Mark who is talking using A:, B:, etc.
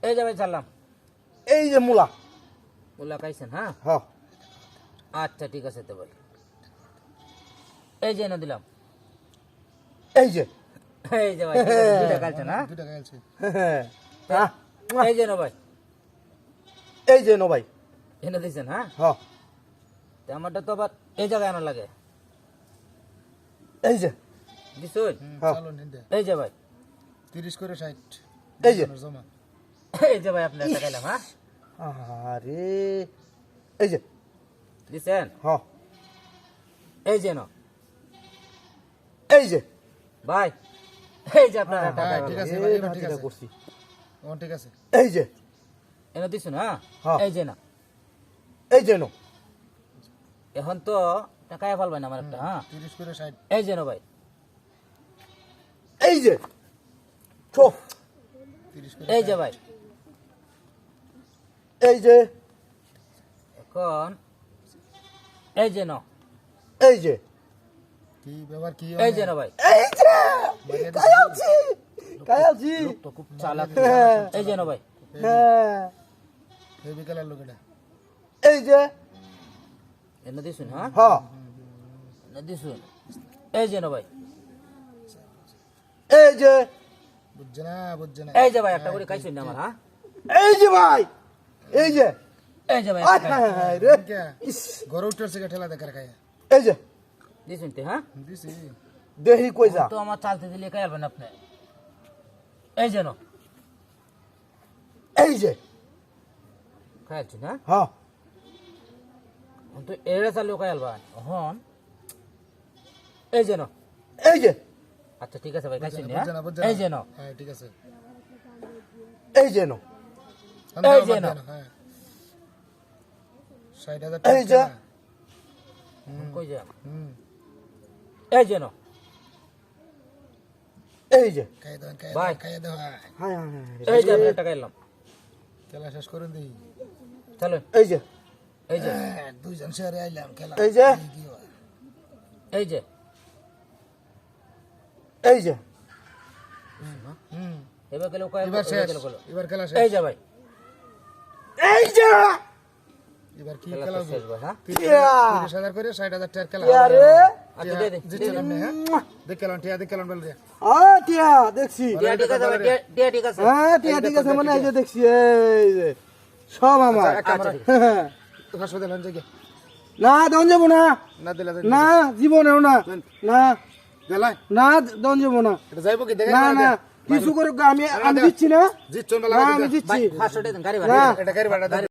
A: এই যে ভাই ছাড়লাম।
B: এই যে মূলা
A: মুলা খাইছেন? হ্যাঁ
B: হ্যাঁ
A: আচ্ছা ঠিক আছে তো ভাই। এই যে এনে দিলাম।
B: এই যে
A: এই যে ভাই দুইটা খাইছেন? হ্যাঁ
C: দুইটা খাইছে।
B: হ্যাঁ
A: এই যে নো ভাই
B: এই যে নো ভাই
A: এনে দিয়েছেন। হ্যাঁ
B: হ্যাঁ
A: তো আমারটা তো আবার এই জায়গায় আনা লাগে।
B: এই যে
A: দিছুন?
B: হ্যাঁ।
C: চলো নিন দে।
A: এই যে ভাই
C: 30 করে 60
B: এই যে
C: জমা।
A: এই যে ভাই আপনি একটা খাইলাম। হ্যাঁ
B: আরে এই যে
A: দিছেন?
B: হ্যাঁ
A: এই যে নো
B: এই যে
A: ভাই এই যে আপনার একটা
C: হ্যাঁ,
A: খাইলাম।
C: ঠিক আছে,
B: এই
C: এবার ঠিক
B: ভাতিটা
C: আছে।
B: করছি
C: ও ঠিক আছে।
B: এই যে
A: এনে দিছুন? হ্যাঁ
B: হ্যাঁ।
A: এই যে না
B: এই যে নো
A: এখন তো টাকায় ফেলবেন আমার একটা। হ্যাঁ
C: 30 করে 60
A: এই যে নো ভাই
B: এই যে ছো
C: 30 করে
A: এই যে ভাই
B: এই যে
A: এখন এই যে নো
B: এই যে
C: কি ব্যবহার কি
A: এই যে নো ভাই
B: এই যে কায়ালছি কায়ালছি
A: লোক তো খুব চালাক।
B: হ্যাঁ।
A: এই যে নো ভাই
B: হ্যাঁ
C: হেভি কালার লোক এটা।
B: এই যে
A: এনে দিছুন? হ্যাঁ
B: হ্যাঁ
A: এনে দিছুন? এই যে নো ভাই
B: এই যে
C: বুঝছে না বুঝছে না।
A: এই যে ভাই একটা করে খাইছুন না আমার। হ্যাঁ
B: এই যে ভাই এই যে
A: এই যে ভাই
B: আয়
A: একটা
B: হায় হায় রে
C: কে
B: ইস,
C: গরু উঠছে কে ঠেলা দেখার খায়।
B: এই যে
A: দিছুন তে? হ্যাঁ
C: দিছি
B: দেহি কই যা
A: তো আমার চালতে দিলে খাইবেন আপনি। এই যে নো
B: এই যে
A: খাইছুন? হ্যাঁ
B: হ্যাঁ
A: তো এরা চালু খাইলবান হন। এই যে নো
B: এই যে
A: আচ্ছা ঠিক আছে ভাই খাইছুন?
C: বুঝছে না বুঝছে
A: হ্যাঁ
C: না।
A: এই যে নো
C: হ্যাঁ ঠিক আছে।
B: এই যে নো
A: এই যে না।
C: হ্যাঁ 60,000
B: এই যে
A: কই যে
C: হুম
A: এই যে নো
B: এই যে
C: খাইয়ে দাও
A: ভাই।
C: খাইয়ে দাও।
B: হায় হায় হায়
A: এই যে আমি একটা খাইলাম।
C: খেলা শেষ করে দিই।
A: চলো
B: এই যে
A: এই যে
C: দুইজন শেয়ারে আইলাম খেলা।
B: এই যে
C: কি হয়?
A: এই যে
B: এই যে
C: হুম
A: এবার গেলে
C: এবার শেষ। এবার খেলা শেষ।
A: এই যে ভাই
B: এই যে
C: এবার কি
A: খেলা
C: খেলা
A: তো শেষ ভাই। হ্যাঁ
C: 30,000 করে 60,000 টাকার খেলা।
B: আরে
A: আচ্ছা দে দে
C: জিতছিলাম না হ্যাঁ দেখ খেলাম টিয়া দেখ খেলাম বল রে।
B: টিয়া দেখছি
A: টিয়া ঠিক আছে ভাই টিয়া ঠিক আছে।
B: হ্যাঁ টিয়া ঠিক আছে মানে এই যে দেখছি এই যে সব আমার
A: আচ্ছা
C: তো হাসপাতাল হন যাগে
B: না দন যাবো না
C: না দিলা
B: না জীবনেও না না
C: দিলা
B: না দন যাবো না
C: এটা যাইবো কি দেখে
B: না না কিছু করে আমি আমি দিচ্ছি না
C: জিতছন বলা
B: না আমি দিচ্ছি
A: ভাই 500 টাকা দেন গাড়ি ভাড়া।
B: না
C: এটা গাড়ি ভাড়া